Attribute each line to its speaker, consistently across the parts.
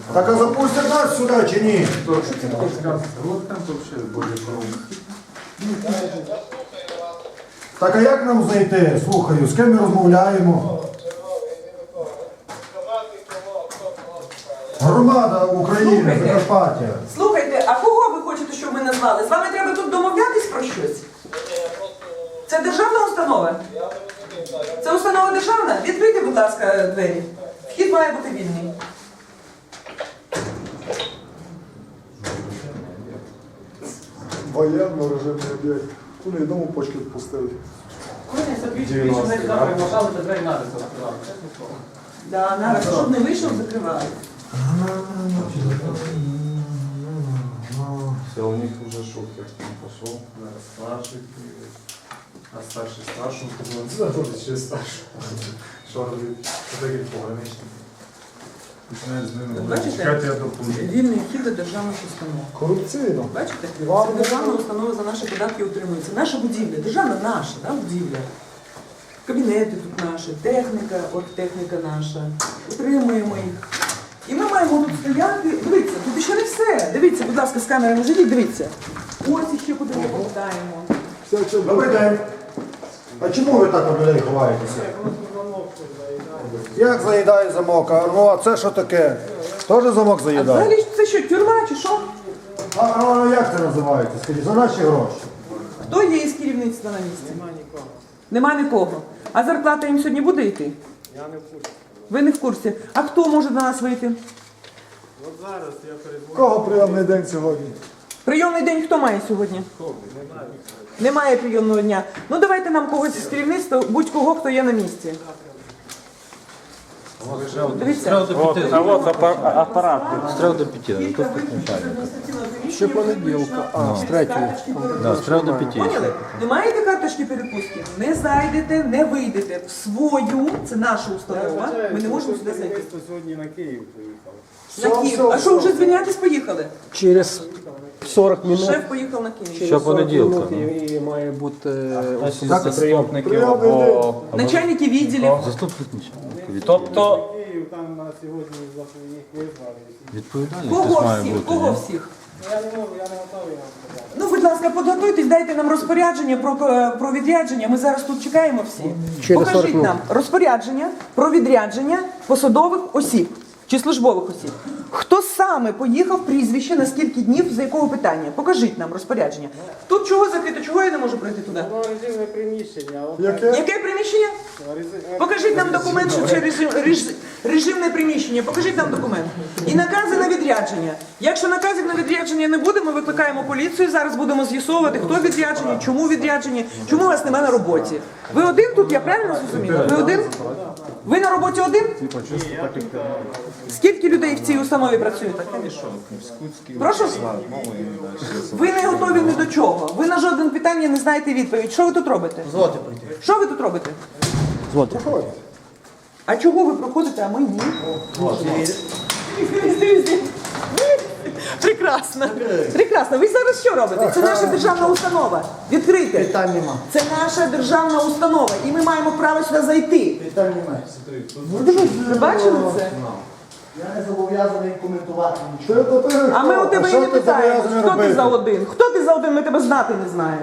Speaker 1: Так а запустять нас сюди чи ні? Так а як нам знайти? Слухаю, з ким ми розмовляємо? Громада України, Закарпаття.
Speaker 2: Слухайте, а кого ви хочете, щоб ми назвали? З вами треба тут домовлятись про щось? Це державна установа? Це установа державна? Відкрийте, будь ласка, двері. Вхід має бути вільний.
Speaker 3: Воєнно режимний об'єкт. Вони дому почки відпустили.
Speaker 2: Да, нараз, щоб не вийшов, закривали.
Speaker 4: Все, у них уже шутер там пошел. Старший привет. А старший старшему сказал, да, тоже через старшего. Что робить? Что такие пограничники? Починають з ними
Speaker 2: Бачите?
Speaker 4: чекати, я допомогу.
Speaker 2: Вільний вхід до державних установ.
Speaker 3: Корупційно.
Speaker 2: Бачите? Це державна установа за наші податки утримується. Наша будівля, державна наша, да, будівля. Кабінети тут наші, техніка, от техніка наша. Утримуємо їх. І ми маємо тут стояти. Дивіться, тут ще не все. Дивіться, будь ласка, з камери не живіть, дивіться. Ось ще куди ми повертаємо.
Speaker 1: Добрий день. А чому ви так від людей ховаєтеся? Як заїдає замок? Ну а це що таке? Теж замок
Speaker 2: А
Speaker 1: заїдає?
Speaker 2: взагалі це що, тюрма чи що?
Speaker 1: А як це називається? Скажіть, за наші гроші.
Speaker 2: Хто є із керівництва на місці? Нема нікого. А зарплата їм сьогодні буде йти?
Speaker 5: Я не в курсі.
Speaker 2: Ви не в курсі. А хто може до нас вийти?
Speaker 5: От зараз я передзвоню.
Speaker 3: Кого прийомний день сьогодні?
Speaker 2: Прийомний день хто має сьогодні? Немає прийомного дня. Ну давайте нам когось із керівництва, будь-кого, хто є на місці. Дивіться.
Speaker 6: А вот аппарат. С 3 до 5.
Speaker 2: Кілька виключень.
Speaker 3: Ще понеділка. А, з 3-ї.
Speaker 6: Да, с 3 до 5.
Speaker 2: Поняли? Не маєте карточки перепустки? Не зайдете, не вийдете. В свою, це наша установа, ми не можемо сюди зайти.
Speaker 5: Сьогодні на Київ поїхав.
Speaker 2: На Київ. А що, вже звільнятись поїхали?
Speaker 7: Через 40 минут.
Speaker 2: Шеф поїхав на Київ.
Speaker 6: Ще понеділка.
Speaker 7: І має бути
Speaker 6: Заступників
Speaker 3: Прийомний день.
Speaker 6: або
Speaker 2: Начальники відділів.
Speaker 6: заступник начальника.
Speaker 7: Тобто
Speaker 5: Київ там на сьогодні їх визвали.
Speaker 6: Відповідальність
Speaker 2: Кого
Speaker 6: має
Speaker 2: всіх?
Speaker 6: бути.
Speaker 2: Кого
Speaker 6: ні?
Speaker 2: всіх?
Speaker 5: Я не можу, я не готовий вам сказати.
Speaker 2: Ну, будь ласка, підготуйтесь, дайте нам розпорядження про відрядження. Ми зараз тут чекаємо всі.
Speaker 7: Через 40
Speaker 2: Покажіть
Speaker 7: минут.
Speaker 2: нам розпорядження про відрядження посадових осіб чи службових осіб. Хто саме поїхав, прізвище, на скільки днів, за якого питання? Покажіть нам розпорядження. Тут чого закрито, чого я не можу пройти туди?
Speaker 5: Воно режимне приміщення. От
Speaker 3: Яке?
Speaker 2: Яке приміщення? Покажіть нам документ, що це режимне приміщення. Покажіть нам документ. І накази на відрядження. Якщо наказів на відрядження не буде, ми викликаємо поліцію. Зараз будемо з'ясовувати, хто відряджені, чому відряджені, чому вас немає на роботі. Ви один тут, я правильно зрозуміла? Ви один? Ви на роботі один? Скільки людей в цій установі працюєте? Прошу? Ви не готові ні до чого. Ви на жодне питання не знаєте відповідь. Що ви тут робите? Що ви тут робите? А чого ви проходите, а ми ні? Прекрасно. Прекрасно. Ви зараз що робите? Це наша державна установа. Відкрийте.
Speaker 1: Питань нема.
Speaker 2: Це наша державна установа. І ми маємо право сюди зайти.
Speaker 1: Питань немає.
Speaker 2: Ви бачили це?
Speaker 1: Я не зобов'язаний коментувати нічого.
Speaker 2: А ми у тебе і
Speaker 1: що
Speaker 2: не
Speaker 1: ти
Speaker 2: питаємо,
Speaker 1: зобов'язаний
Speaker 2: хто ти
Speaker 1: робити?
Speaker 2: за один? Хто ти за один, ми тебе знати не знаємо.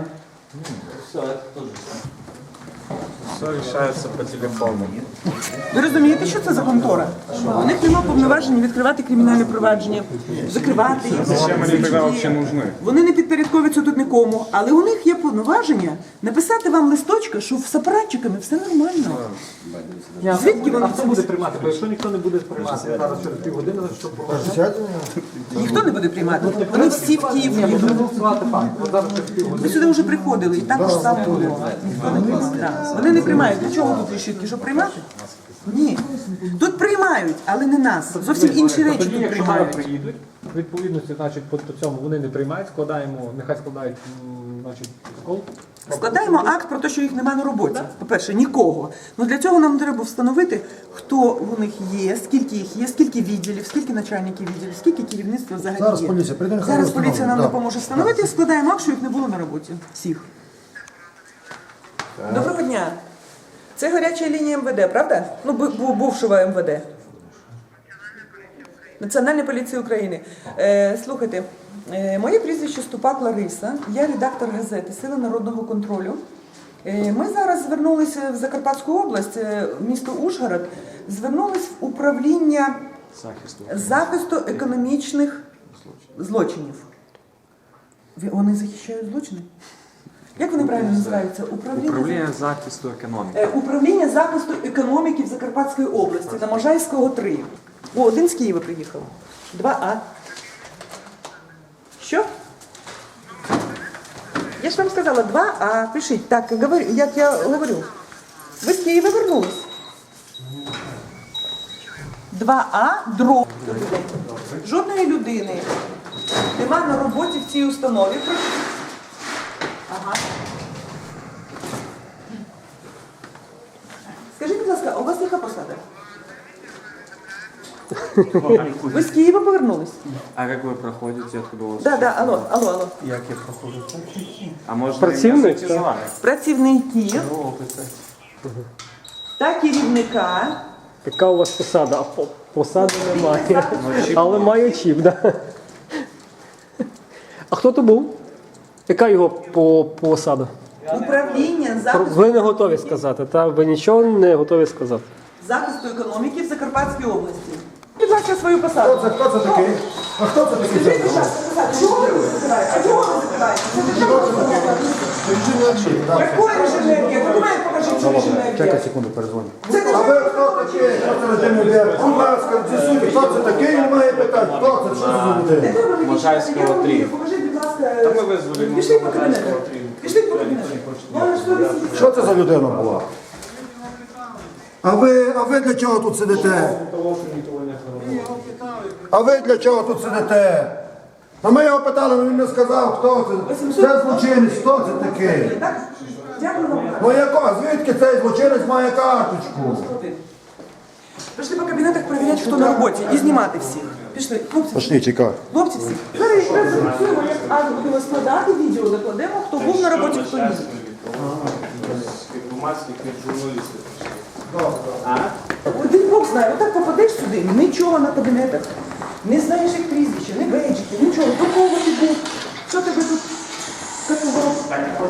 Speaker 4: Все решается по телефону.
Speaker 2: Ви розумієте, що це за контора? У них немає повноважень відкривати кримінальне провадження, закривати їх.
Speaker 4: Зачем они тогда вообще нужны?
Speaker 2: Вони не підпорядковуються тут нікому, але у них є повноваження написати вам листочка, що з апаратчиками все нормально. Звідки вони це
Speaker 7: буде приймати? Бо якщо ніхто не буде приймати, зараз через півгодини, що
Speaker 2: Ніхто не буде приймати. Вони всі в Київ їдуть. Ви сюди вже приходили, і також саме було. Ніхто не приймав. Так. Вони не приймають. Для чого тут решітки? Щоб приймати? Ні. Тут приймають, але не нас. Зовсім інші речі
Speaker 7: Тоді,
Speaker 2: тут
Speaker 7: якщо має
Speaker 2: приймають.
Speaker 7: приїдуть, відповідності, значить, по цьому вони не приймають, складаємо, нехай складають, значить, протокол.
Speaker 2: Складаємо акт про те, що їх немає на роботі. По-перше, нікого. Ну для цього нам треба встановити, хто у них є, скільки їх є, скільки відділів, скільки начальників відділів, скільки керівництва взагалі
Speaker 1: Зараз
Speaker 2: є.
Speaker 1: поліція прийде, нехай
Speaker 2: Зараз
Speaker 1: встановить,
Speaker 2: поліція нам
Speaker 1: да.
Speaker 2: допоможе встановити і складаємо акт, що їх не було на роботі. Всіх. Доброго дня. Це гаряча лінія МВД, правда? Ну, бувшого МВД. Національної поліції України. Слухайте, моє прізвище Ступак Лариса, я редактор газети «Сили народного контролю». Ми зараз звернулися в Закарпатську область, в місто Ужгород, звернулись в управління захисту економічних злочинів. Вони захищають злочини? Як вони правильно називаються?
Speaker 6: Управління захисту економіки.
Speaker 2: Управління захисту економіки в Закарпатській області, на Можайського 3. О, один з Києва приїхав. 2А. Що? Я ж вам сказала 2А. Пишіть. Так, як я говорю. Ви з Києва вернулись. 2А, дроб. Жодної людини нема на роботі в цій установі. Ага. Скажіть, будь ласка, у вас яка посада? Ви з Києва повернулись?
Speaker 6: А як ви проходите, откуда у вас?
Speaker 2: Да, алло.
Speaker 6: Як я проходжу? А може
Speaker 7: Працівник,
Speaker 6: я з вами?
Speaker 2: Працівників та керівника.
Speaker 8: Яка у вас посада? А посади немає. Але маю чіп, да? А хто то був? Яка його посада?
Speaker 2: Управління захисту,
Speaker 8: Ви не готові сказати, та? Ви нічого не готові сказати.
Speaker 2: захисту економіки в Закарпатській області. Будь ласка, свою посаду.
Speaker 1: Хто це такий? А хто це такий?
Speaker 2: Скажіть, будь ласка, чого ви закриваєте? А чого ви закриваєте? Це державна установа. Якої режимної? Документ покажіть, що режимної.
Speaker 1: Чекай секунду, перезвоню.
Speaker 2: Це
Speaker 1: А ви хто такий? Хто це режимний об'єкт? Будь ласка, з'ясуйте, хто це такий, він має питати. Хто це? Що це за людина?
Speaker 6: Можайського 3.
Speaker 2: Покажіть, будь ласка.
Speaker 6: Та ми визвали
Speaker 2: Пішли по кабінету. Пішли по кабінету. Вона що ви сидите?
Speaker 1: Що це за людина була? А ви для чого тут сидите? А ви для чого тут сидите? А ми його питали, але він не сказав, хто це. Це злочинець, хто це такий?
Speaker 2: Так? Дякую вам.
Speaker 1: Ну яко? Звідки цей злочинець має карточку?
Speaker 2: Пішли по кабінетах перевіряти, хто на роботі, і знімати всіх. Пішли. Хлопці,
Speaker 1: Пошли, чекай.
Speaker 2: хлопці всі. Зараз якраз зафіксуємо, як Анна будемо складати відео, закладемо, хто був на роботі, хто ні.
Speaker 4: Громадських журналістів.
Speaker 2: Один Бог знає, отак попадеш сюди, нічого на кабінетах. Не знаєш, як прізвище, не бейджики, нічого. До кого ти був? Що тебе тут катував?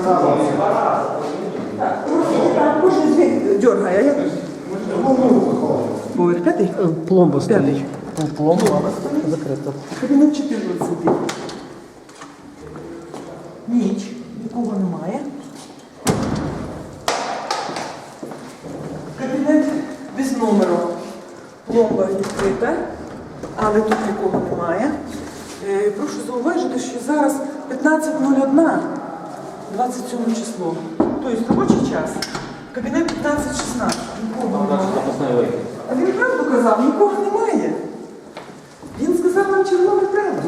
Speaker 2: Так, кожен звір дергає, а як? Поверх п'ятий?
Speaker 8: Пломба стоїть.
Speaker 2: П'ятий.
Speaker 8: Пломба закрита.
Speaker 2: Кабінет 14. Ніч. Нікого немає. Кабінет без номеру. Пломба відкрита, але тут нікого немає. Прошу зауважити, що зараз 15:01, 27 число. Тобто робочий час. Кабінет 15:16. Нікого немає. А він правду казав, нікого немає. Він сказав вам червону правду.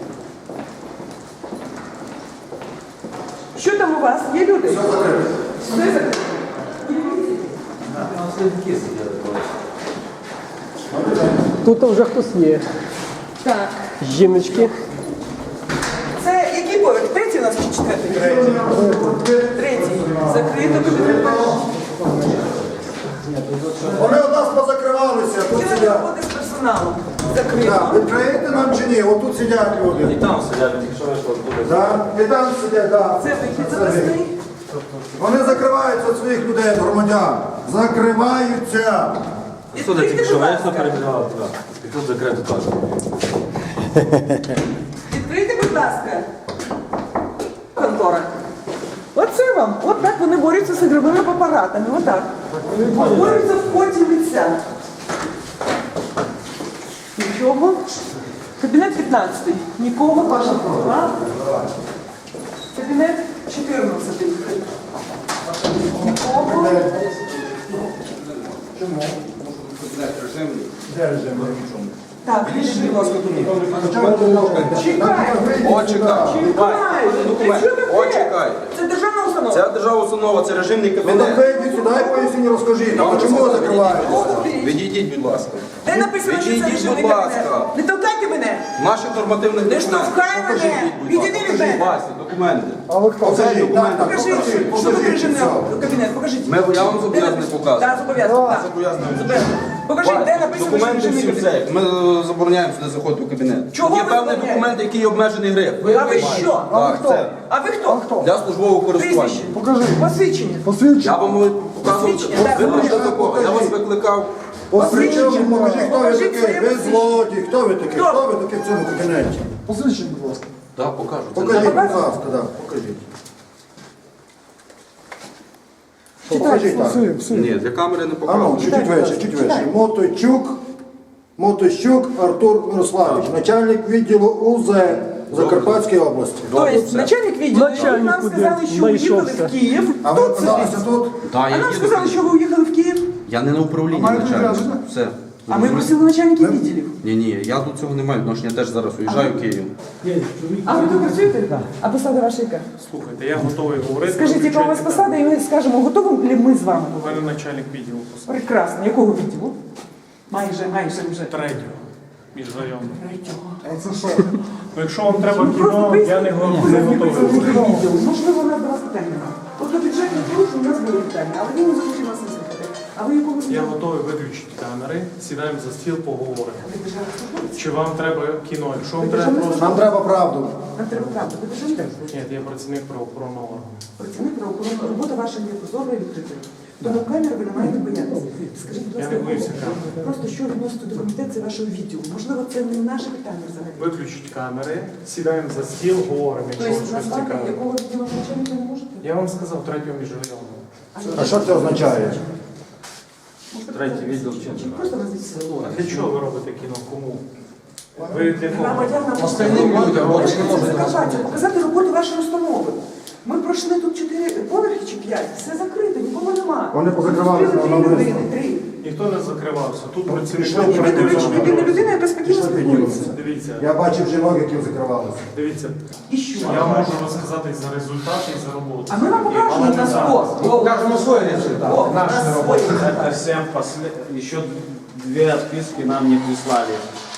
Speaker 2: Що там у вас? Є люди? Все закрито. Все закрито.
Speaker 8: Тут вже хтось є.
Speaker 2: Так.
Speaker 8: Жіночки.
Speaker 2: Це який поверх? Третій у нас чи четвертий? Третій. Закрито кабінет.
Speaker 1: Вони у нас позакривалися, тут
Speaker 2: Це
Speaker 1: сидять.
Speaker 2: роботи з персоналом.
Speaker 1: Так,
Speaker 2: Закрито.
Speaker 1: відкриєте нам чи ні? Отут сидять люди.
Speaker 6: І там сидять, якщо вийшло, буде.
Speaker 1: Так, і там сидять, так.
Speaker 2: Це вихід запасний.
Speaker 1: Вони закриваються від своїх людей, громадян. Закриваються.
Speaker 2: Відкрийте, будь ласка.
Speaker 6: перебігали туди. І тут закрито теж.
Speaker 2: Відкрийте, будь ласка. Контора. Оце вам. От так вони борються з ігровими апаратами. Отак. Борються в поті лиця. Нічого. Кабінет 15. Нікого. Ваша права. Кабінет 14. Нікого. Так, рішення. Чекай. Чекай. Це державна установа.
Speaker 9: Це державна установа, це режимний
Speaker 1: Ну так
Speaker 9: кабінет.
Speaker 1: ви йдіть сюди і поясніть, розкажіть. А чому ви закриваєте?
Speaker 9: Відійдіть, будь ласка.
Speaker 2: Де написано, що це
Speaker 9: Відійдіть,
Speaker 2: режимний
Speaker 9: будь
Speaker 2: кабінет?
Speaker 9: ласка.
Speaker 2: Не толкайте мене.
Speaker 9: Наших нормативних
Speaker 2: Не
Speaker 9: документів.
Speaker 2: штовхай мене.
Speaker 9: Покажіть, будь ласка.
Speaker 2: Відійди від
Speaker 9: Покажіть,
Speaker 2: мене.
Speaker 9: Вася, документи.
Speaker 3: А ви хто?
Speaker 1: Покажіть, так, так,
Speaker 2: Покажіть, що тут
Speaker 1: покажіть,
Speaker 2: режимний
Speaker 1: все.
Speaker 2: кабінет. Покажіть.
Speaker 9: Я вам зобов'язаний показувати.
Speaker 2: Так, зобов'язаний.
Speaker 9: Зобов'язаний.
Speaker 2: Зобов'язаний. Покажіть, де написано, що
Speaker 9: Документи
Speaker 2: режимний
Speaker 9: всі
Speaker 2: кабінет.
Speaker 9: все. Ми забороняємо сюди заходити в кабінет.
Speaker 2: Чого
Speaker 9: Є
Speaker 2: ви
Speaker 9: певний
Speaker 2: забороняєте?
Speaker 9: документ, який є обмежений гриф.
Speaker 2: А ви що?
Speaker 9: Так, це
Speaker 2: А ви хто?
Speaker 9: для службового користування.
Speaker 2: Прізвище?
Speaker 3: Покажи.
Speaker 2: Посвідчення.
Speaker 9: Я
Speaker 3: Посвідчення.
Speaker 9: вам показував,
Speaker 2: Посвідчення, так.
Speaker 9: ви прийшли до кого? Я вас викликав.
Speaker 1: Причому покажіть, хто ви
Speaker 2: Покажіть
Speaker 1: такий,
Speaker 2: своє
Speaker 1: ви
Speaker 2: посвідчення.
Speaker 1: злодій, хто ви такий,
Speaker 2: Хто?
Speaker 1: хто ви такий в цьому кабінеті?
Speaker 3: Посвідчення, будь ласка.
Speaker 9: Так, покажу. Це
Speaker 1: Покажіть, будь
Speaker 2: Покажете?
Speaker 1: ласка, да, покажіть. Покажіть так.
Speaker 3: Все.
Speaker 9: Ні, для камери не
Speaker 1: А ну,
Speaker 9: покажу.
Speaker 1: чуть вище, чуть вище. Мотойчук Артур Мирославович, начальник відділу УЗ Закарпатської області.
Speaker 2: Тобто
Speaker 9: все.
Speaker 2: начальник відділу,
Speaker 8: Начальник
Speaker 2: нам сказали,
Speaker 8: куди?
Speaker 2: що уїхали
Speaker 8: Знайшовся.
Speaker 2: в Київ.
Speaker 1: А ви
Speaker 2: Тут
Speaker 1: оказалися
Speaker 2: сидить.
Speaker 1: тут?
Speaker 9: Так,
Speaker 2: А
Speaker 9: я
Speaker 2: нам
Speaker 9: їду
Speaker 2: сказали,
Speaker 9: туди.
Speaker 2: що ви уїхали в Київ.
Speaker 9: Я не на управлінні
Speaker 3: А маєте
Speaker 9: начальник.
Speaker 3: відрядження?
Speaker 9: Все.
Speaker 2: А ми просили начальників відділів.
Speaker 9: Ні, я до цього не маю відношення, я теж зараз уїжджаю в Київ.
Speaker 2: А ви тут працюєте? А посада ваша яка?
Speaker 10: Слухайте, я готовий говорити.
Speaker 2: Скажіть, яка у вас посада, і ми скажемо, готові ли ми з вами?
Speaker 10: У мене начальник відділу посади.
Speaker 2: Прекрасно. Якого відділу? Майже вже.
Speaker 10: Третього. Міжрайонного.
Speaker 2: Третього.
Speaker 3: А це що?
Speaker 10: Ну, якщо вам треба
Speaker 2: Просто
Speaker 10: кіно, я не готовий.
Speaker 2: відділу. Можливо, у нас до вас питання немає. От до бюджетних порушень у нас були питання, але він не захотів нас не слухати. А ви якого
Speaker 10: Я готовий виключити камери, сідаємо за стіл, поговоримо.
Speaker 2: Ви державний службовець?
Speaker 10: Чи вам треба кіно? Якщо вам треба просто...
Speaker 1: Нам треба правду.
Speaker 2: Нам треба правду. Ви державний службовець?
Speaker 10: Ні, я працівник правоохоронного органу.
Speaker 2: Працівник правоохоронного, робота ваша є прозорою і відкритою. Тому камери ви не маєте боятися. Скажіть, будь
Speaker 10: Я
Speaker 2: ласка,
Speaker 10: не боюся камер.
Speaker 2: просто що відносите до комітету вашого відділу? Можливо, це не наше питання взагалі.
Speaker 10: Виключіть камери, сідаємо за стіл, говоримо, якщо вам
Speaker 2: Тобто
Speaker 10: щось
Speaker 2: назвати,
Speaker 10: цікаве.
Speaker 2: якого відділу начальника не можете?
Speaker 10: Я вам сказав, третього міжрайонного.
Speaker 1: А що це означає?
Speaker 6: Третій відділ чи
Speaker 2: Просто назвіть село.
Speaker 10: А для чого ви робите кіно? Кому? Ви для кого?
Speaker 2: Громадянам
Speaker 9: Остальним людям, от
Speaker 2: Хочете
Speaker 9: не можуть
Speaker 2: Закарпаття, показати роботу вашої установи. Ми пройшли тут 4 поверхи чи 5, все закрито, нікого нема.
Speaker 1: Вони позакривалися
Speaker 2: Зустріли
Speaker 1: на
Speaker 2: 3
Speaker 1: вулиці.
Speaker 2: людини, 3.
Speaker 10: Ніхто не закривався. Тут працівники
Speaker 1: Пішли,
Speaker 2: І ви, до речі,
Speaker 10: оперативного
Speaker 2: єдина
Speaker 10: надзору.
Speaker 2: людина, яка спокійно
Speaker 1: Пішли,
Speaker 2: спілкується.
Speaker 10: Дивіться,
Speaker 1: Я бачив жінок, які закривалися.
Speaker 10: дивіться.
Speaker 2: І що?
Speaker 10: Я можу розказати за результати і за роботу.
Speaker 2: А ми вам покажемо на сто.
Speaker 9: Покажемо свої результати.
Speaker 2: О, на свої.
Speaker 6: Это всем еще две отписки нам не прислали.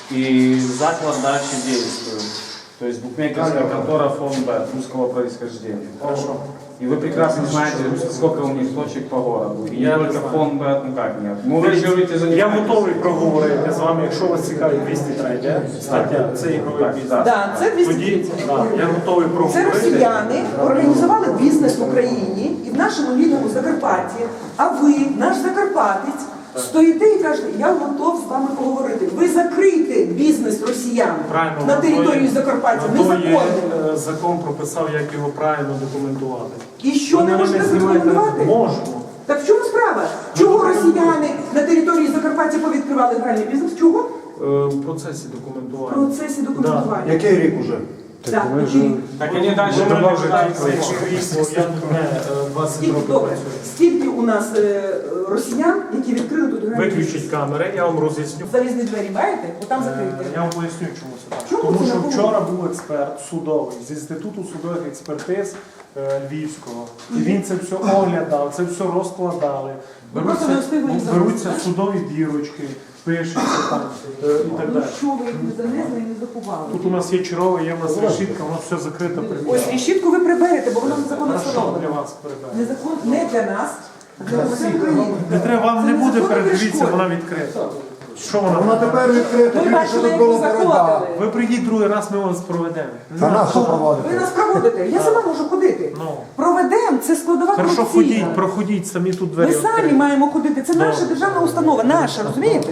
Speaker 6: И заклад дальше действует. То есть букмекерская контора ФОНБ русского происхождения.
Speaker 10: Хорошо.
Speaker 6: И вы прекрасно знаете, сколько у них точек по городу. И
Speaker 10: Я
Speaker 6: не
Speaker 10: не
Speaker 6: только
Speaker 10: знаю.
Speaker 6: ФОНБ, ну как нет. Ну вы же говорите,
Speaker 10: Я
Speaker 6: занимаетесь.
Speaker 10: готовий проговорити з вами, якщо вас цікавить 203 стаття, це ігровий бізнес.
Speaker 2: Так, це
Speaker 10: Тоді
Speaker 2: 230.
Speaker 10: да, я готовий
Speaker 2: Це
Speaker 10: проговорити.
Speaker 2: росіяни організували бізнес в Україні і в нашому рідному Закарпатті, а ви, наш закарпатець, стоїте і кажете, я готов з вами поговорити. Ви закрийте бізнес росіян
Speaker 10: Правильно,
Speaker 2: на території Закарпаття.
Speaker 10: на то є
Speaker 2: Незаконно.
Speaker 10: закон прописав, як його правильно документувати.
Speaker 2: І що
Speaker 10: Ви
Speaker 2: не
Speaker 10: мене
Speaker 2: можете
Speaker 10: знімаєте?
Speaker 2: задокументувати?
Speaker 10: Можемо.
Speaker 2: Так в чому справа? Чого росіяни на території Закарпаття повідкривали гральний бізнес? Чого?
Speaker 10: В процесі
Speaker 2: В
Speaker 10: документування.
Speaker 2: процесі документування.
Speaker 1: Який рік уже?
Speaker 2: Так, який рік?
Speaker 6: Так они дальше
Speaker 10: Ви мене вже
Speaker 6: продолжают.
Speaker 10: крісло, я тут не 20
Speaker 2: Скільки,
Speaker 10: років
Speaker 2: добре,
Speaker 10: працюю.
Speaker 2: скільки у нас росіян, які відкрили тут гральний бізнес?
Speaker 10: Виключіть камери, я вам роз'ясню.
Speaker 2: Залізні двері маєте? Отам
Speaker 10: Я
Speaker 2: закрийте.
Speaker 10: вам поясню, чому це так.
Speaker 2: Чому
Speaker 10: Тому
Speaker 2: це
Speaker 10: що
Speaker 2: так?
Speaker 10: вчора був експерт судовий з Інституту судових експертиз Львівського. І він це все оглядав, це все розкладали.
Speaker 2: Ви просто не встигли їх
Speaker 10: Беруться
Speaker 2: занести,
Speaker 10: судові бірочки, пишуться там і так
Speaker 2: Ну
Speaker 10: далі.
Speaker 2: що ви їх не занесли і не заховали?
Speaker 10: Тут у нас є черова, є в нас решітка, воно все закрите
Speaker 2: Ось
Speaker 10: приміщення.
Speaker 2: решітку ви приберете, бо воно незаконно
Speaker 10: Хорошо, для
Speaker 2: встановлено.
Speaker 10: вас передаю.
Speaker 2: Незакон не для нас, а для громадян України.
Speaker 10: Не треба, вам
Speaker 2: Це
Speaker 10: не буде
Speaker 2: незаконна
Speaker 10: передивіться,
Speaker 2: перешкода.
Speaker 10: вона відкрита. Що
Speaker 1: Вона
Speaker 10: вона?
Speaker 1: тепер відкрита,
Speaker 2: Ми
Speaker 1: тільки що
Speaker 2: бачили,
Speaker 1: тут
Speaker 2: як
Speaker 1: було
Speaker 2: ви
Speaker 1: боротьба.
Speaker 2: заходили.
Speaker 10: Ви прийдіть другий раз, ми вас проведемо.
Speaker 1: А нас що
Speaker 2: Ви
Speaker 1: проводити?
Speaker 2: нас проводите. Я сама можу ходити.
Speaker 10: Ну.
Speaker 2: Проведемо, це складова
Speaker 10: Хорошо,
Speaker 2: корупційна.
Speaker 10: ходіть, проходіть, самі тут двері
Speaker 2: Ми самі
Speaker 10: відкриті.
Speaker 2: маємо ходити. Це наша державна установа, наша, розумієте?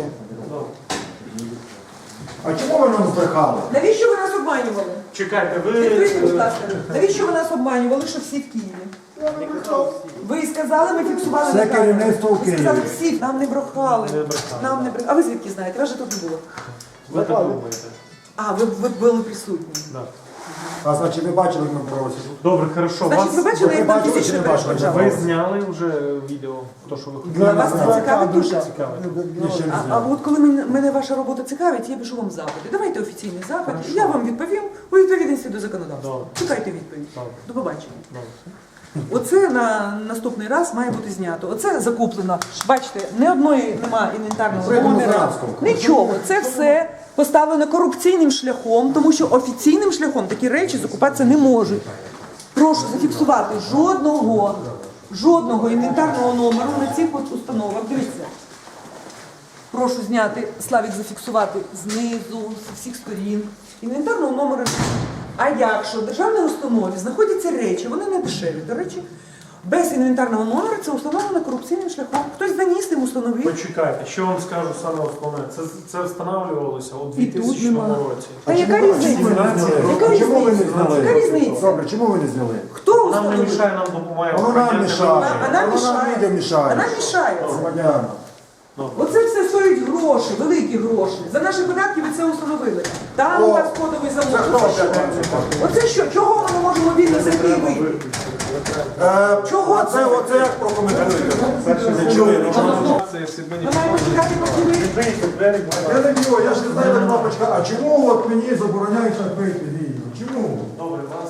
Speaker 1: А чому ви нам збрехали?
Speaker 2: Навіщо ви нас обманювали?
Speaker 10: Чекайте,
Speaker 2: Відкрийте, будь
Speaker 10: ви...
Speaker 2: ласка. Навіщо ви нас обманювали, що всі в Києві? Ви сказали, ми фіксували
Speaker 1: Все
Speaker 2: на камеру.
Speaker 1: керівництво в
Speaker 2: Ви сказали,
Speaker 1: Києві.
Speaker 2: всі, нам не брехали. Нам не брехали. А ви звідки знаєте? Вас же тут не було.
Speaker 10: Ви так думаєте.
Speaker 2: А, ви були присутні.
Speaker 10: Да.
Speaker 1: А значить ви бачили, як ми боролися?
Speaker 10: Добре, хорошо.
Speaker 2: Значить, ви
Speaker 10: Вас...
Speaker 2: бачили, як нам
Speaker 1: бачили чи
Speaker 2: фізично
Speaker 1: не бачили?
Speaker 2: перешкоджали?
Speaker 10: Ви зняли вже відео, то, що ви
Speaker 2: Для
Speaker 10: хотіли.
Speaker 2: вас це цікавить дуже?
Speaker 10: Цікаве.
Speaker 2: А от коли мене ваша робота цікавить, я пишу вам запити. Давайте офіційний запит, і я вам відповім у відповідності до законодавства.
Speaker 10: Добре.
Speaker 2: Чекайте відповідь.
Speaker 10: Добре.
Speaker 2: До побачення.
Speaker 10: Добре.
Speaker 2: Оце на наступний раз має бути знято. Оце закуплено. Бачите, ні одної нема інвентарного
Speaker 1: Це
Speaker 2: номера.
Speaker 1: демократсько.
Speaker 2: Нічого. Це все поставлено корупційним шляхом, тому що офіційним шляхом такі речі закупатися не можуть. Прошу зафіксувати жодного інвентарного номеру на цих от установах. Дивіться. Прошу зняти, Славік зафіксувати знизу, з всіх сторін. Інвентарного номера. А якщо в державній установі знаходяться речі, вони не дешеві, до речі, без інвентарного номера це установлено корупційним шляхом. Хтось заніс тим установив.
Speaker 10: Почекайте, що вам скажу саме основне. Це встановлювалося у
Speaker 2: І тут
Speaker 10: 2000
Speaker 2: нема.
Speaker 10: році.
Speaker 2: Та яка різниця? Яка
Speaker 1: Чому ви не
Speaker 2: різниця?
Speaker 1: зняли?
Speaker 2: Яка різниця?
Speaker 1: Добре, чому ви не зняли?
Speaker 2: Хто
Speaker 10: Нам не
Speaker 2: установив?
Speaker 10: мішає, нам допомагає.
Speaker 1: Воно нам мішає.
Speaker 2: А нам
Speaker 1: Воно нам
Speaker 2: мішає.
Speaker 1: людям мішає.
Speaker 2: А нам мішається.
Speaker 1: Громадянам.
Speaker 2: Оце все стоїть гроші, великі гроші. За наші податки ви це установили. Там у вас кодовий замок. Оце що? Чого ми не можемо вільно зайти і вийти? Чого це?
Speaker 1: Оце як прокоментуєте? Не чую нічого.
Speaker 2: Ми маємо чекати, поки ви...
Speaker 1: Я не б'ю, я ж не знаю, де кнопочка. А чому от мені забороняють так вийти? Чому?
Speaker 10: Добре, вас